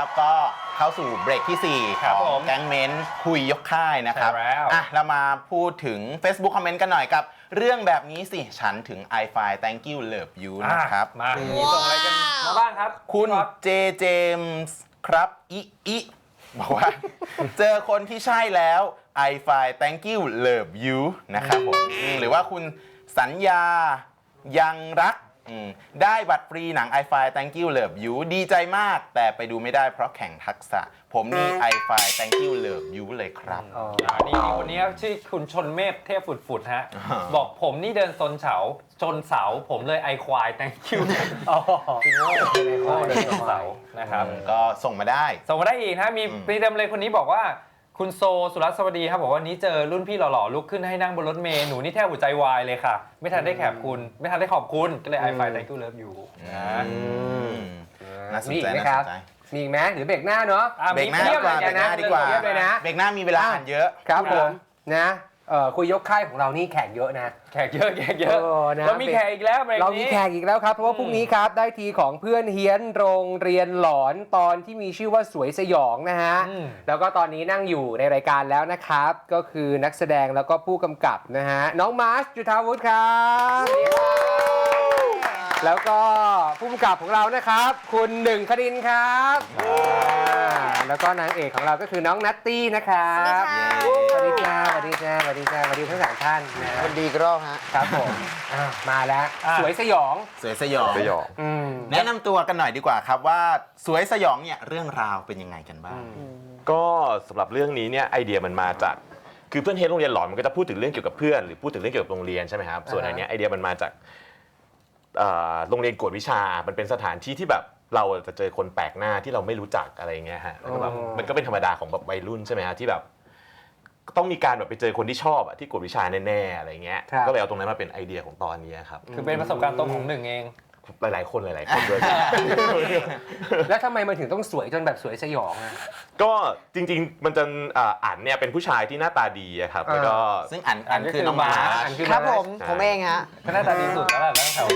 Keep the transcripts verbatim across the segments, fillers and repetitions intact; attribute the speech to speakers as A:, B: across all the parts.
A: ก็เข้าสู่เบรกที่สี่ของแก๊งเม้นคุยยกค่ายนะครับอ่ะเรามาพูดถึง Facebook คอมเมนต์กันหน่อยกับเรื่องแบบนี้สิฉันถึง i ไฟ thank you love you นะครับ
B: มามีส่งอะไรกันมาบ้างครับ
A: คุณเจเจมส์ครับอิอิบอกว่าเจอคนที่ใช่แล้ว i ไฟ thank you love you นะครับผมหรือว่าคุณสัญญายังรักได้บัตรฟรีหนัง i ไฟ thank you love you ดีใจมากแต่ไปดูไม่ได้เพราะแข่งทักษะผมนี่ i ไฟ thank you love you เลยครับ
B: อ๋อนี่คนนี้ชื่อคุณชนเมธเทพฝุดๆฮะบอกผมนี่เดินซนเสาชนเสาผมเลยไอควาย thank you อ๋อพี่โง่พี่โง่เดินชนเสานะครับ
A: ก็ส่งมาได้
B: ส่งมาได้อีกนะมีพี่เต็มเลยคนนี้บอกว่าคุณโซสุรัตน์สวัสดีครับบอกว่านี้เจอรุ่นพี่หล่อๆลุกขึ้นให้นั่งบนรถเมล์หนูนี่แทบหัวใจวายเลยค่ะไม่ทันได้แขบคุณไม่ทันได้ขอบคุณก็เลย i ไฟ thank you love you นะ
A: น่าสนใจนะครับ
C: มีอีกไหมหรือเบรกหน้าเนาะ
A: เบรกหน้าดีกว่าเบรกหน้าดีกว่าเบรกหน้ามีเวลาอ่านเยอะ
C: ครับผมนะคุยยกค่ายของเรานี่แขกเยอะนะ
B: แขกเยอะแขกเยอะเรามีแขกอีกแล้ว
C: เรามีแขกอีกแล้วครับเพราะว่าพรุ่งนี้ครับได้ทีของเพื่อนเฮี้ยนโรงเรียนหลอนตอนที่มีชื่อว่าสวยสยองนะฮะแล้วก็ตอนนี้นั่งอยู่ในรายการแล้วนะครับก็คือนักแสดงแล้วก็ผู้กำกับนะฮะน้องมาร์ชจุฑาวุฒิครับแล้วก็ผู้กำกับของเรานะครับคุณหนึ่งคดินครับแล้วก็นางเอกของเราก็คือน้องนัตตี้นะครับสวัสดีจ้าสวัสดีจ้าสวัสดีจ้าสวัสดีทั้งสามท่าน
D: สวัสดีกรอบฮะ
C: ครับผมมาแล้วสวยสยอง
A: สวยสยอง
D: สยอง
A: แนะนำตัวกันหน่อยดีกว่าครับว่าสวยสยองเนี่ยเรื่องราวเป็นยังไงกันบ้าง
D: ก็สำหรับเรื่องนี้เนี่ยไอเดียมันมาจากคือเพื่อนเฮดโรงเรียนหลอนมันก็จะพูดถึงเรื่องเกี่ยวกับเพื่อนหรือพูดถึงเรื่องเกี่ยวกับโรงเรียนใช่ไหมครับส่วนอันนี้ไอเดียมันมาจากโรงเรียนกวดวิชามันเป็นสถานที่ที่แบบเราจะเจอคนแปลกหน้าที่เราไม่รู้จักอะไรเงี้ยฮะแล้วก็แบบมันก็เป็นธรรมดาของแบบวัยรุ่นใช่ไหมฮะที่แบบต้องมีการแบบไปเจอคนที่ชอบอะที่กวดวิชาแน่ๆอะไรเงี้ยก็เลยเอาตรงนั้นมาเป็นไอเดียของตอนนี้ครับ
B: คือเป็นประสบการณ์ตรงของหนึ่งเอง
D: หลายๆคนหลายๆคนด้วย
C: แล้วทำไมมันถึงต้องสวยจนแบบสวยสยองอ่ะ
D: ก็จริงๆมันจะอั๋นเนี่ยเป็นผู้ชายที่หน้าตาดีครับแล้วก็
A: ซึ่งอั๋นอั๋นคือน้องมา
D: ครับผมผมเองฮะ
B: ก็หน้าตาดีสุดแล้วแหละตั้งแถว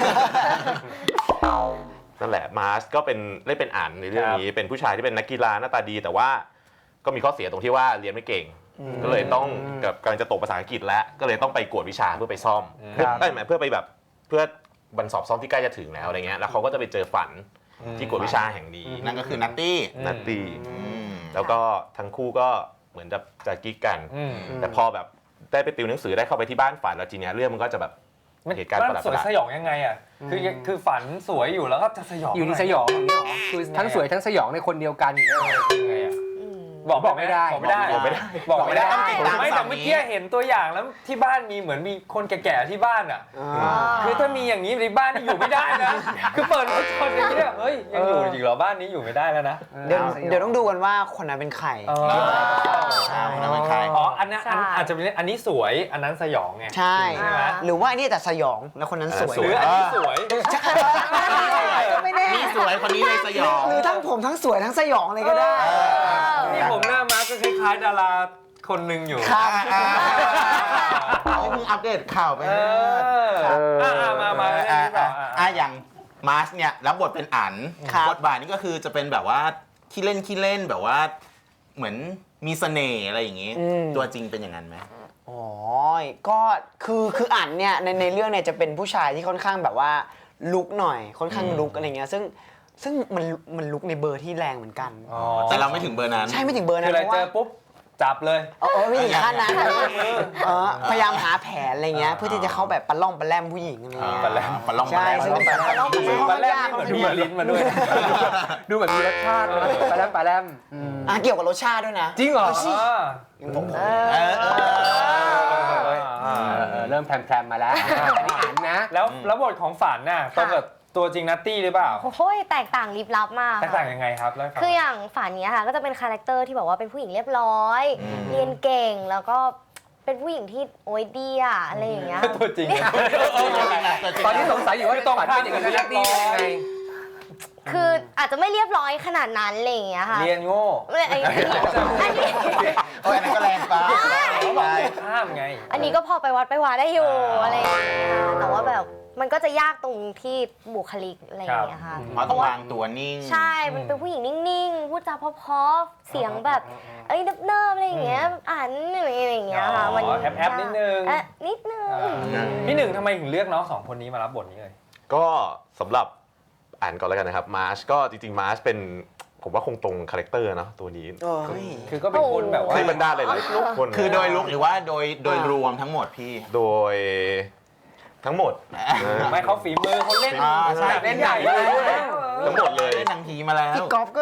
D: นั่นแหละมาร์ชก็เป็นได้เป็นอั๋นในเรื่องนี้เป็นผู้ชายที่เป็นนักกีฬาหน้าตาดีแต่ว่าก็มีข้อเสียตรงที่ว่าเรียนไม่เก่งก็เลยต้องกับกำลังจะตกภาษาอังกฤษแล้วก็เลยต้องไปกวดวิชาเพื่อไปซ่อมได้ไหมเพื่อไปแบบเพื่อบันสอบซ่อมที่ใกล้จะถึงแล้วอะไรเงี้ยแล้วเขาก็จะไปเจอฝันที่กวดวิชาแห่งนี้
A: นั่นก็คือนัตตี้
D: นัตตี้แล้วก็ทั้งคู่ก็เหมือนจะจะกิ๊กกันแต่พอแบบได้ไปติวหนังสือได้เข้าไปที่บ้านฝันแล้วทีเนี้ยเรื่องมันก็จะแบบเหตุการณ์ประหลาด
B: สวยสยองยังไงอ่ะคือคือฝันสวยอยู่แล้วก็จะสยอง
C: อยู่ในสยองอย่างนี้หรอคือทั้งสวยทั้งสยองในคนเดียวกันอย่างเงี้ยยังไงอ่ะ
B: บอกบอกไม่ได้
D: บอกไม่ได้บอกไม่ได้
B: บอกไม่ได้ไม่แต่เมื่อกี้เห็นตัวอย่างแล้วที่บ้านมีเหมือนมีคนแก่ๆที่บ้านอ่ะคือถ้ามีอย่างนี้ในบ้านนี่อยู่ไม่ได้นะคือเปิดรถชนอย่างนี้เฮ้ยยังอยู่จริงเหรอบ้านนี้อยู่ไม่ได้แล้วนะ
E: เดี๋ยวเดี๋ยวต้องดูกันว่าคนนั้นเป็นใคร
A: คนนั้นเป็นใคร
B: อ๋ออันนั้นอาจจะเป็นอันนี้สวยอันนั้นสยองไง
E: ใช่หรือว่าอันนี้แต่สยองแล้วคนนั้นสวย
B: หรืออันนี้สวย
E: ไม่แน่
A: นี่สวยคนนี้เลยสยอง
E: หรือทั้งผมทั้งสวยทั้งสยองเลยก็ได้
B: นี่ผมหน้ามาก็คล้ายๆดาราคนหนึ่งอยู่
E: ครับ
A: นี่เพิ่งอัปเดตข่าวไป
B: อ่ามามา
A: อ่าอย่างมาร์ชเนี่ยรับบทเป็นอั๋นบทบาทนี้ก็คือจะเป็นแบบว่าขี้เล่นขี้เล่นแบบว่าเหมือนมีเสน่ห์อะไรอย่างงี้ตัวจริงเป็นอย่างนั้นไหม
E: อ๋อก็คือคืออั๋นเนี่ยในในเรื่องเนี่ยจะเป็นผู้ชายที่ค่อนข้างแบบว่าลุกหน่อยค่อนข้างลุกอะไรเงี้ยซึ่งซึ่งมันมันลุกในเบอร์ที่แรงเหมือนกัน
A: แต่เราไม่ถึงเบอร์นั้น
E: ใช่ไม่ถึงเบอร์นั้น
B: เพราะว่าเจอปุ๊บจับเลย
E: เออไม่ถึงขั้นนั้นเออพยายามหาแผนอะไรเงี้ยเพื่อที่จะเข้าแบบปะล่องปะแลมผู้หญิงอะไรเงี้ย
A: ปะแลมปะล่อง
E: ใช่ซึ่งปะล่องปะแลม
B: เหมือนดูเหมือนลิ้นมาด้วย
C: ดูแบบมีรสชาติเลยปะแลมปะแลม
E: อ่ะเกี่ยวกับรสชาติด้วยนะ
C: จริงเหรอเริ่มแพรมๆมาแล้วอันนี้อั๋นนะ
B: แล้วแล้วบทของฝันน่ะต้องแบบตัวจริงนัตตี้หรือเปล่า
F: โอ้ยแตกต่างลิบลับมาก
B: แตกต่างยังไงครับ
F: คืออย่างฝันนี้ค่ะก็จะเป็นคาแรคเตอร์ที่บอกว่าเป็นผู้หญิงเรียบร้อยเรียนเก่งแล้วก็เป็นผู้หญิงที่โอ๊ยดีอะอะไรอย่างเงี้ย
B: ตัวจริง
C: ตอนนี้สงสัยอยู่ว่าต้องฝันเป็นอย่างนัตตี้เป็นยังไง
F: คืออาจจะไม่เรียบร้อยขนาดนั้นอะไรอย่างเงี้ยค่ะ
B: เรียนโง่
F: อันนี้อันนี้
A: โอ้ยอันนั้นก็แรงไป
B: ข้ามไง
F: อันนี้ก็พอไปวัดไปวาได้อยู่อะไรอย่างเงี้ยแต่ว่าแบบมันก็จะยากตรงที่บุคลิกอะไรอย่างเงี้ยค่ะ
A: เพราะต้องวางตัวนิ่ง
F: ใช่ มันเป็นผู้หญิงนิ่งๆ พูดจาเพราะๆ เสียงแบบเอ้ยเนิบๆอะไรอย่างเงี้ย อ่านอะไรอย่างเงี้ยค่ะ
B: อ๋อแอบๆนิดนึง
F: เอ๊ะนิดนึง
B: พี่หนึ่งทำไมถึงเลือกน้องสองคนนี้มารับบทนี้เลย
D: ก็สำหรับอ่านก่อนแล้วกันนะครับมาร์ชก็จริงๆมาร์ชเป็นผมว่าคงตรงคาแรคเตอร์เนาะตัวนี้
E: โอ้ย
B: คือก็เป็นคนแบบว่า
D: ที่บรรดาหลายๆคน
A: คือโดยลุกหรือว่าโดยโดยรวมทั้งหมดพี่
D: โดยทั้งหมด
B: ไม่เขาฝีมือเขาเล่น
A: อ่าใช่
B: เล่นใหญ่เลย
D: ทั้งหมดเลย
A: เล่นหนังผีมาแล้ว
E: พี่ก๊อฟก็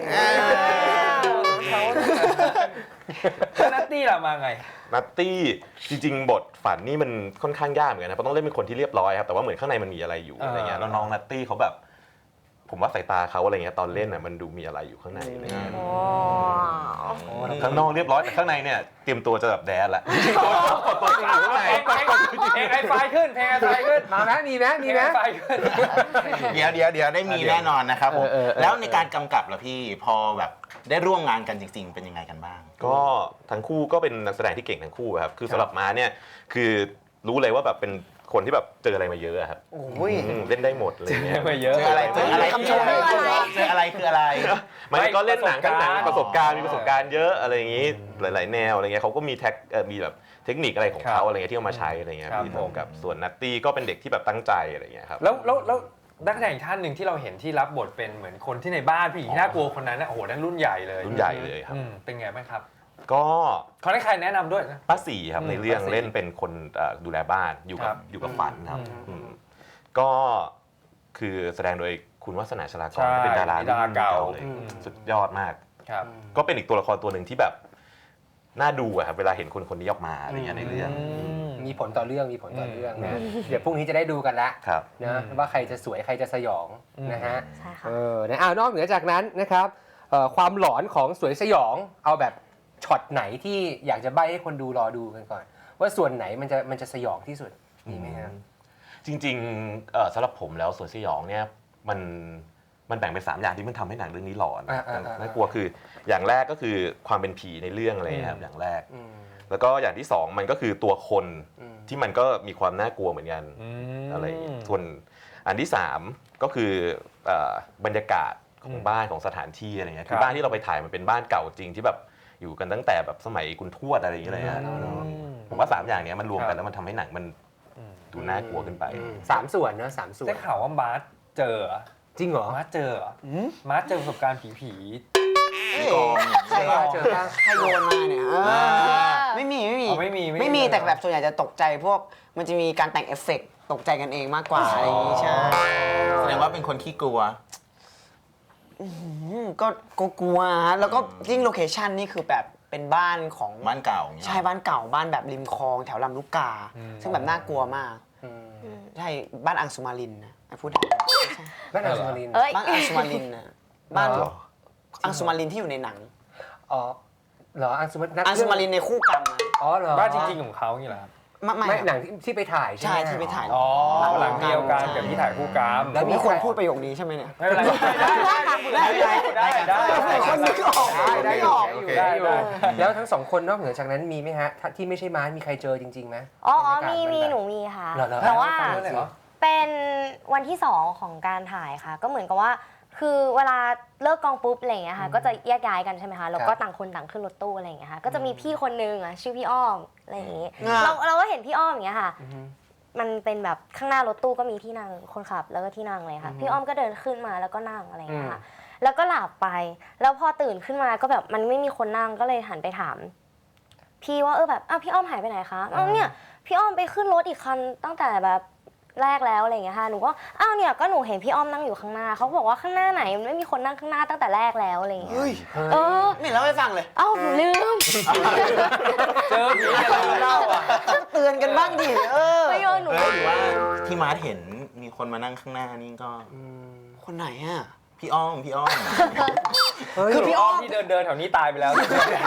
B: เขานัตตี้ล่ะมาไง
D: นัตตี้จริงๆ บทฝันนี่มันค่อนข้างยากเหมือนกันนะเพราะต้องเล่นเป็นคนที่เรียบร้อยครับแต่ว่าเหมือนข้างในมันมีอะไรอยู่
B: อ่า
D: อะไรเงี้ยแล้วน้องนัตตี้เขาแบบ ผมว่าสายตาเขาอะไรเงี้ยตอนเล่นน่ะมันดูมีอะไรอยู่ข้างในอะไรเงี้ย
F: โอ้
D: ข้างนอกเรียบร้อยแต่ข้างในเนี่ยเตรียมตัวจะแบบแดนละกดตัวจริงอยู่ข้างใน
B: เพลงเพลงไอไฟขึ้นเพลงไอไฟขึ้น
C: มาไหมมีไหมมีไหม
B: เพลง ไอไฟขึ้น
A: เดี๋ยวเดี๋ยวเดี๋ยวได้มีแน่นอนนะครับผม
C: เออเออเออ
A: แล้วในการกำกับล่ะพี่พอแบบได้ร่วมงานกันจริง ๆ เป็นยังไงกันบ้าง
D: ก็ทั้งคู่ก็เป็นนักแสดงที่เก่งทั้งคู่ครับคือสำหรับมาเนี่ยคือรู้เลยว่าแบบเป็นคนที่แบบเจออะไรมาเยอะอะครับ
E: โอ้ย
D: อืมเล่นได้หมดเลยเนี่ย
B: ไปเยอะ
A: เจออะไรเจออะไร
E: คำชม
A: เจออะไรเจออะไรคืออะไร
D: มันก็เล่นหนังทั้งหนัง
B: ป
D: ประ ระ
B: ส
D: ส
B: บบ กา
D: การ ร
B: ณ์
D: ณ์มีประสบการณ์เยอะอะไรอย่างนี้หลาย ๆ แนวอะไรเงี้ยเขาก็มีแท็กเอ่อมีแบบเทคนิคอะไรของ
B: ครั
D: เขา
B: บ
D: อะไรเงี้ยที่เอามาใช้อะไรเงี้ย
B: ครับ
D: พี่โตกับส่วนนัตตี้ก็เป็นเด็กที่แบบตั้งใจอะไรเงี้ยครับ
B: แล้วแล้วแล้วนักแสดงอีกท่านหนึ่งที่เราเห็นที่รับบทเป็นเหมือนคนที่ในบ้านผู้หญิงที่น่ากลัวคนนั้นนะโอ้โหนั่นรุ่นใหญ่เลย
D: รุ่นใหญ่เลยครับ
B: อืมเป็นไงบ้างครับ
D: ก็
B: เขาได้ใครแนะนำด้วยนะ
D: ป้าสีครับ
B: อืม
D: ในเรื่อง
B: ป้าศรี
D: เล่นเป็นคนเอ่อดูแลบ้านอยู่
B: ค
D: กั
B: รั
D: บบ อยู่กับฝันครับ
B: อืม
D: อืมก็คือแสดงโดยคุณวัฒนาชลาก
B: ใช่
D: รเป็นดารา
B: ดาราเก่า
D: เลย
B: อืม
D: สุดยอดมาก
B: ครับ
D: ก็เป็นอีกตัวละครตัวหนึ่งที่แบบน่าดูอะครับเวลาเห็นคนคนนี้ออกมาอะไรเงี้ยในเรื่อง
C: มีผลต่อเรื่องมีผลต่อเรื่องนะเดี๋ยวพรุ่งนี้จะได้ดูกันละ
D: ครับ
C: นะว่าใครจะสวยใครจะสยอง
B: อืม
C: นะฮะ
F: ใช่ค่ะ
C: เออนะอ้าวนอกเหนือจากนั้นนะครับเอ่อความหลอนของสวยสยองเอาแบบช็อตไหนที่อยากจะใบ้ให้คนดูรอดูกันก่อน ว่าส่วนไหนมันจะมันจะสยองที่สุดมีไหมครับ
D: จริงๆเอ่อสำหรับผมแล้วสวนสยองเนี่ยมันมันแบ่งเป็นสามอย่างที่มันทำให้หนังเรื่องนี้หลอน
C: อ่าอ่าอ่า
D: น่ากลัวคืออย่างแรกก็คือความเป็นผีในเรื่องอะไรครับอย่างแรก
C: อืม
D: แล้วก็อย่างที่สองมันก็คือตัวคน
C: อืม
D: ที่มันก็มีความน่ากลัวเหมือนกัน
B: ม
D: อะไรอย่างเงี้ยส่วนอันที่สามก็คือเอ่อบรรยากาศของ
B: อืม
D: บ้านของสถานที่อะไรเงี้ย
B: ครับ
D: คือบ้านที่เราไปถ่ายมันเป็นบ้านเก่าจริงที่แบบอยู่กันตั้งแต่แบบสมัยคุณทวดอะไรอย่างเงี้ยเลยฮะ
B: อืม
D: ผมว่าสามอย่างเนี้ยมันรวม
B: ครั
D: กัน
B: บ
D: แล้วมันทำให้หนังมัน
B: อืม
D: ดูน่ากลัวขึ้นไป
C: สามส่วนเนอะสามส่วน
B: ได้ข่าวว่ามาร์ทเจอเหรอ
C: จริงเหรอ
B: มาร์ทเจอเหรอมาร์ทเจอประสบการณ์ผีผี
A: กอง
E: ใคร
C: เจอป่ะ
E: ใครโยนมาเนี่ยเออไม่มีไม่มี
B: อ๋อไม่มี
E: ไม่มีแต่แบบส่วนใหญ่จะตกใจพวกมันจะมีการแต่งเอฟเฟกต์ตกใจกันเองมากกว่าอะไรอย่างงี้ใช่
A: แสดงว่าเป็นคนขี้กลัว
E: อืมก็ก็กลัวฮะแล้วก็ยิ่งโลเคชันนี่คือแบบเป็นบ้านของ
A: บ้านเก่าอย่างเงี้ย
E: ใช่บ้านเก่าบ้านแบบริมคลองแถวลำลูกกา ซึ่งแบบน่ากลัวมาก
C: อืม
E: ใช่บ้านอังสุมารินนะพูดได้ไหม
C: บ้านอังสุมารินทร์
F: เอ้ย
E: บ้านอังสุมารินนะบ้าน
C: เหรอ
E: อังสุมารินที่อยู่ในหนัง
C: อ๋อเหรออังสุมาริน
E: อังสุมารินในคู่กรรมอะ
C: อ๋อเหรอ
B: บ้านจริงๆของเขาอย่างนี้เหรอครับ
E: ไม่ไม่
C: ไม่หนังที่ที่ไปถ่ายใช่
E: ใช่
C: ไหม
E: ที่ไปถ่าย
B: อ๋อหลังเดียวกันกับที่ถ่ายคู่กรรม
C: แล้ว
E: มีคนพูดประโยคนี้ใช่ไหมเนี่ย
B: ไม่เป็นไรได้ได้ได้ได้ได้ได้
E: คนนึกออก
C: ได้ได้อยู่
A: โอเค
C: ได้อยู่
B: ได้
C: แล้วทั้งสองคนนอกเหนือจากนั้นมีไหมฮะถ้าที่ไม่ใช่ม้ามีใครเจอจริงๆไหม
F: อ๋ออ๋อบ
C: รร
F: มี
C: ยากาศ
F: มี
C: แบบ
F: หนูมีค่ะ
C: เหรอเหรอ
F: แต่ว่า
B: ฟังด้วยเลยเหรอ
F: เป็นวันที่สองของการถ่ายค่ะ ก็เหมือนกับว่า คือเวลาเลิกกองปุ๊บอะไรอย่างเงี้ยค่ะก็จะแยกย้ายกันใช่ไหมคะแล้วก็ต่างคนต่างขึ้นรถตู้อะไรอย่างเงี้ยค่ะก็จะมีพี่คนนึงอ่ะชื่อพี่อ้อมอะไรอย่างงี้
E: อ่า
F: เราเราก็เห็นพี่อ้อมอย่างเงี้ยค่ะ
C: อือฮึ
F: มันเป็นแบบข้างหน้ารถตู้ก็มีที่นั่งคนขับแล้วก็ที่นั่งเลยค่ะ พี่อ้อมก็เดินขึ้นมาแล้วก็นั่งอะไรอย่างเงี้ยค่ะแล้วก็หลับไป แล้วพอตื่นขึ้นมาก็แบบมันไม่มีคนนั่งก็เลยหันไปถาม พี่ว่าเออแบบอ้าวพี่อ้อมหายไปไหนคะอ้าวเนี่ยพี่อ้อมไปขึ้นรถอีกคันตั้งแต่แบบแรกแล้วอะไรอย่างเงี้ยค่ะหนูก็อ้าวเนี่ยก็หนูเห็นพี่อ้อมนั่งอยู่ข้างหน้าเขาบอกว่าข้างหน้าไหนมันไม่มีคนนั่งข้างหน้าตั้งแต่แรกแล้วอะไรอย่างเงี้ย
E: เฮ้ย
F: เออ
E: ไม่เล่าให้ฟังเลย
F: เอ้าหนูลืม
B: เจอผีอะไรเล่าอ่ะ
E: เตือนกันบ้างดิเออ
F: ไม่โยนหนู
A: เอ้ยหรือว่าที่มาร์ทเห็นมีคนมานั่งข้างหน้านี่ก็
E: คนไหนอ่ะ
A: พี่อ้อมพี่อ้อม
E: คือพี่
B: อ้
E: อ้
B: อ
E: อ
B: ม
E: ม
B: ที่เดินเดินแถวนี้ตายไปแล้ว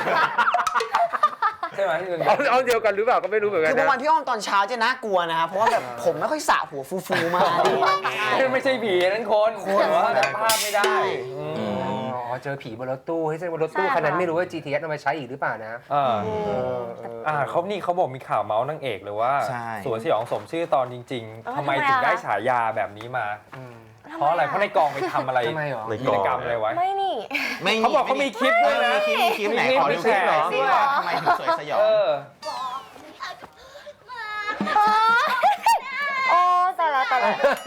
B: ใช่ไหมที่เดิน
C: เอาเอาเดียวกันหรือเปล่าก็ไม่รู้เหมือนกั
E: คื
C: น
E: อบาง
C: นะ
E: วันพี่อ้อมตอนเช้าจะน่ากลัวนะครับเพราะว่าแบบผมไม่ค่อยสระหัวฟูๆมา
B: ไม่ใช่ผีนั่นคนแต่ว่าจำภาพไม่ได้
E: ใช่
B: อืม
C: อเจอผีบนรถตู้ให้เส้นบนรถตู้
F: ใช่ค่ะ
C: คันนั้นไม่รู้ว่า จี ที เอส เอามาใช้อีกหรือเปล่านะ
B: อ่า
C: เออเออ
B: อ่าเขานี่เขาบอกมีข่าวเมาส์นางเอกเลยว่า
A: ใช่
B: สวนสยองสมชื่อตอนจริง
F: เออ
B: ๆทำไม
F: ทำไม
B: ถึง
F: อะ
B: ได้ฉายาแบบนี้มา
C: อืม
B: เพราะอะไรเพราะในกองไปทำอะไร
C: ทำไมหรอ
D: ใน
B: กิ
D: ก
B: จ
D: อง
B: กรรมอะไรไว้
F: ไม่นี่
A: ไม่
B: เขาบอกเขามีคลิปด้วยนะ
A: เออมีคลิปมีคลิปไหน
B: มี
A: ขอ
B: มี
A: ดู
B: แช
A: คลิป
B: ร์
A: หน่อยสิ
F: ด้วย
A: ว่าทำไมถึงสวยสยอง
B: เออ
F: โอ้ตายละตายละ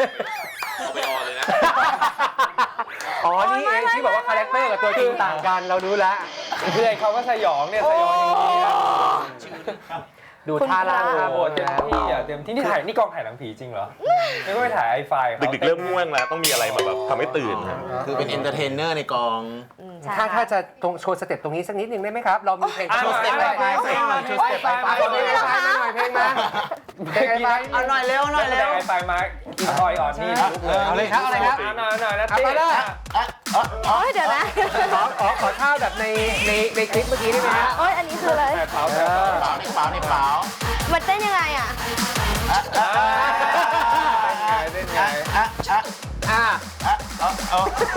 C: อ๋อ นี่เองที่บอกว่าคาแรคเตอร์กับตัวจริงต่างกันเรารู้แล้ว
B: เพื่อนเขาก็สยองเนี่ยสยองอย่างนี้นะ
C: ดูท่าล่าง
B: โอ้
C: ท่า
B: โห
C: บน
B: เต็มที่อ่ะเต็มที่นี่ถ่ายนี่กองถ่ายหนังผีจริงเหรอไม่ก็ไปถ่ายไอไฟเขา
D: ดึกๆเริ่มง่วงแล้วต้องมีอะไรมาแบบทำให้ตื่นครับ
A: คือเป็นเอนเตอร์เทนเนอร์ในกอง
F: อืมใช่
C: ถ้า
F: ค่ะ
C: ถ้าจะตรงโชว์สเต็ปตรงนี้สักนิดนึงได้ไหมครับ เรามีเพลง
B: อ่ะ
C: โชว์สเต็ป
B: มา
C: ไป
B: มา
C: เพลง
B: มา
C: มา
B: มา
C: โชว์สเต็ปไป
B: มา
C: เพลงมาเพลงมาเพลงมาเพลงมา
E: เอาหน่อยเร็วหน่อย
B: แส
E: เร็
B: ด
E: ว
B: งไอไฟมากินออยอ่อนนี่ลุกเลย
C: เอาเลยครับเอาเลยครับ
B: เอาหน่อยเอาหน่อยนะ
C: เอา
B: ตี้
C: ไปเลย
F: โอ้ยเดี๋ยวนะ
C: ขอขอขอท่าแบบในในในคลิปเมื่อกี้ได้ไหมฮะ
F: โอ้ยอันนี้คืออะไร
B: แต่เท้า
C: เอ
B: แต่เท้า
C: อ
A: เปล่าในเปล่าในเปล่า
F: มันเต้นยังไงอ่ะ
B: อ่าเล่นไง
A: อ่ะอ่ะ
C: อ่า
A: อ่ะเอาเอา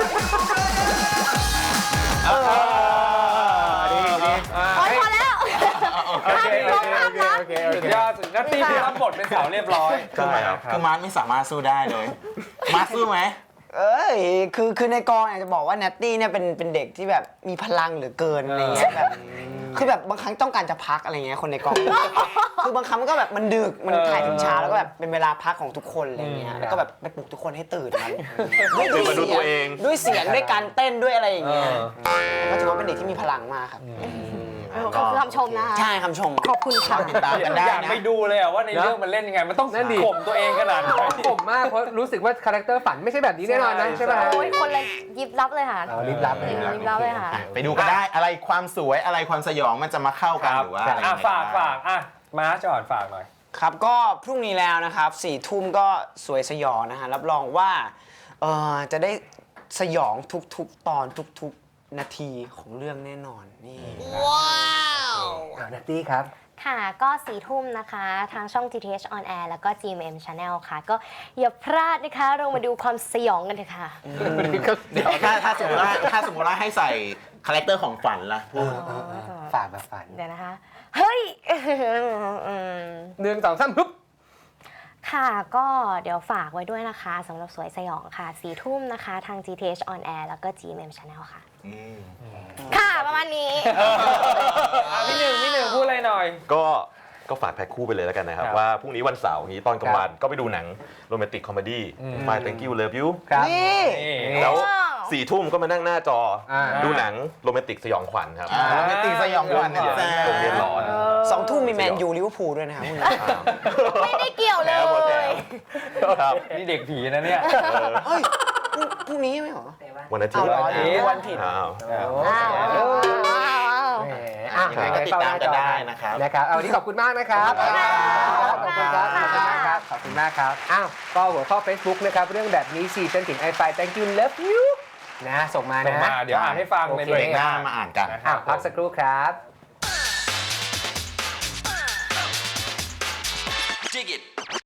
A: เออ
C: ดีดี
B: อ่า
F: โอ้ยพอแล้ว
C: โอเคโอเคโอเคโอเคโอ
B: สุด
C: เค
B: ยอดสุดนัตตี้ที่รับบทเป็นสาวเรียบร้อย
D: ใช่ครับ
A: คือมาร์ทไม่สามารถสู้ได้เลย มาร์ทสู้ไหม
E: เอ้ยคือคือในกองเนี่ยจะบอกว่าแนตตี้เนี่ยเป็นเป็นเด็กที่แบบมีพลังเหลือเกินอะไรเงี้ยแบบคือแบบบางครั้งต้องการจะพักอะไรเงี้ยคนในกอง คือบางครั้งมันก็แบบมันดึกมัน
B: เออ
E: ถ่ายถึงเช้าแล้วก็แบบเป็นเวลาพักของทุกคนอะไรเงี้ย
B: อืม
E: แล้วก็แบบไปปลุกทุกคนให้ตื่นมัน
D: ตื่นมาดูตัวเอง
E: ด้วยเสียงด้วยการเต้นด้วยอะไรอย่าง
B: เอ
E: เงี้ย
B: อ
E: ก็ถือว่าเป็นเด็กที่มีพลังมากครับ
F: ขอบคุณคำชมนะคะ
E: ใช่คำชม
F: ขอบคุณค่ะ
A: ติดตามกันได้
B: อยาก
A: นะ
B: ไปดูเลยอะว่าในเรื่องมันเล่นยังไง มันต้อง
C: นั่นดิ
B: ข่มตัวเองขนาดไหน
C: ผมมากเพราะรู้สึกว่าคาแรคเตอร์ฝันไม่ใช่แบบนี้แน่นอนนะ
B: ใช่
C: ใช่ไหม
F: โอ้ยคนเลยยิบลับเลยค่ะ
C: เอารีบรับเลย
F: รีบรับเลยค่ะ
A: อ่ะไปดูกันได้อะไรความสวยอะไรความสยองมันจะมาเข้ากัน
B: ครับ
A: หรือว่าอะไร
B: อ่ะ
A: ยังไง
B: ฝากฝากอ่ะมาจอดฝากหน่อย
E: ครับก็พรุ่งนี้แล้วนะครับสี่ทุ่มก็สวยสยองนะฮะรับรองว่าเอ่อจะได้สยองทุกๆตอนทุกๆนาทีของเรื่องแน่นอนนี่
C: อ่านัตตี้ครับ
F: ค่ะก็สี่ทุ่มนะคะ ทางช่อง จี ที เอช on air แล้วก็ จี เอ็ม เอ็ม Channel ค่ะ ก็อย่าพลาดนะคะ เรามาดูความสยองกันเถอะค่ะ
A: เดี๋ยวถ้าถ้าสมมติว่าถ้าสมมติว่าให้ใส่คาแรคเตอร์ของฝันล่ะพูด
C: ฝากแบบฝัน
F: เดี๋ยวนะคะ เฮ้ย อืม
C: หนึ่งสองสามฮึบ
F: ค่ะก็เดี๋ยวฝากไว้ด้วยนะคะสำหรับสวยสยองค่ะสี่ทุ่มนะคะ ทาง จี ที เอช on air แล้วก็ จี เอ็ม เอ็ม Channel ค่ะ ค่ะ ประมาณนี้
B: อ่ะพี่หนึ่งพี่หนึ่งพูดอะไรหน่อย
D: ก็ก็ฝากแพ็คคู่ไปเลยแล้วกันนะครับ
B: ครับ
D: ว่าพรุ่งนี้วันเสาร์นี้ตอนกลางวันก็ไปดูหนังโรแมนติกคอมเมดี้
B: อืม
D: My Thank You Love You
C: ครับ
E: นี่
B: นี่
D: แล้ว
F: ว้าว
D: สี่ทุ่มก็มานั่งหน้าจออา ดูหนังโรแมนติกสยองขวัญครับ
A: อ่าโรแมนติกสยองขวัญนะจ๊ะ
D: โรงเรียนหลอน
E: สองทุ่มมีแมนยูลิเวอร์พูลด้วยนะครับพรุ่งนี้
F: ไม่ได้เกี่ยวเล
D: แล้วหมดแถ
F: ย
D: วครับ
B: นี่เด็กผีนะเนี่ย
E: เฮ้ยพรุ่งพรุ่งนี้ไม่เหรอ
D: วันอาทิต
E: เอา
D: ย์
E: เหรอ
B: วันอาทิตย์
E: วันผิด
D: อ้าว
F: ว้าวว้าวว้าว
C: แหมอ่ะ
A: ยังไงก็ติดตามกันได้นะครับ
C: นะครับเอาวันนี้ขอบคุณมากนะครับ
F: ขอบคุณค่ะ
C: ขอบคุณครับ ขอบคุณมากครับ ขอบคุณมากครับ อ้าว ก็หัวข้อ Facebook นะครับ เรื่องแบบนี้สิฉันถึง I Find Thank You Love You นะ ส่งมา
B: ส่ง
C: นะ
B: มาเดี๋ยวอ่านให้ฟังใน
C: โอเค
B: เบร
A: เบร
B: ก
A: ก
B: ห
A: ห
B: น้า
A: น้ามาอ่านกัน
B: นะค
C: อ้า
B: รับ
C: วพักสักครู่ครับ
G: Dig it.